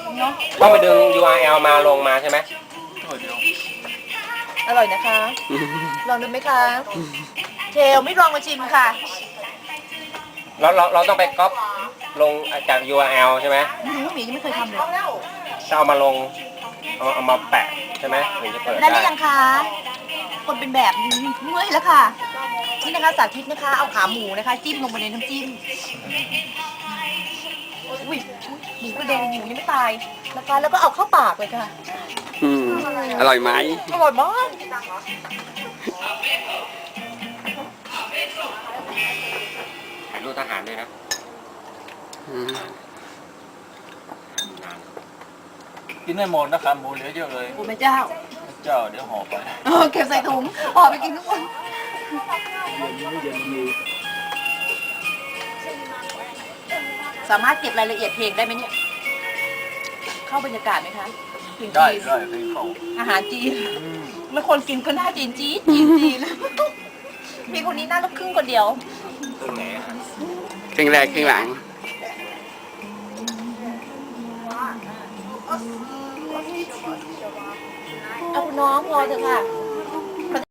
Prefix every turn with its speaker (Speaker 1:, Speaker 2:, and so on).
Speaker 1: เนาะ
Speaker 2: ต้องไปดึง URL มาลงมาใช่ไหม
Speaker 1: อร่อยนะคะ ลองดูไหมคะเทลไม่ลองมาชิมค่ะ
Speaker 2: เราต้องไปก๊อปลงจาก URL ใช่ไหม
Speaker 1: ไม่รู้หมียังไม่เคยทำเลย
Speaker 2: จะเอามาลงเอามาแปะใช่ไหมถึงจะเปิด
Speaker 1: ได้ห
Speaker 2: ได้
Speaker 1: รือยังคะคนเป็นแบบนี้เมื่อยแล้วค่ะนี่นะคะสาธิตนะคะ เอาขาหมูนะคะ จิ้มลงไปในน้ำจิ้มอุ้ยหมูกระเด็นหมูยังไม่ตายนะคะแล้วก็เอาเข้าปากเลยค่ะ
Speaker 3: อร่อยไหม
Speaker 1: อร่อยมาก
Speaker 2: ถ่ายรูปทหารด้วยนะ
Speaker 4: กินได้หมดนะครับหมูเหลือเยอะเลย
Speaker 1: โอ้แม่เจ้า
Speaker 4: เจ้าเดี๋ยวห่อไป
Speaker 1: เก็บใส่ถุงห่อไปกินทุกคนสามารถเก็บรายละเอียดเพลงได้ไหมเนี่ย เข้าบรรยากาศไหมคะเพลง
Speaker 4: ได้
Speaker 1: จีน
Speaker 4: ได้ให้เขา
Speaker 1: อาหารจีนไม่คนกินก็หน้าจีนจีนจีนมีคนนี้หน้าลูกครึ่งคนเดียว
Speaker 2: ครึ่งไหนอะ
Speaker 3: ครึ่งแรกครึ่งหลัง
Speaker 1: เอาคุณน้องพอเถอะค่ะ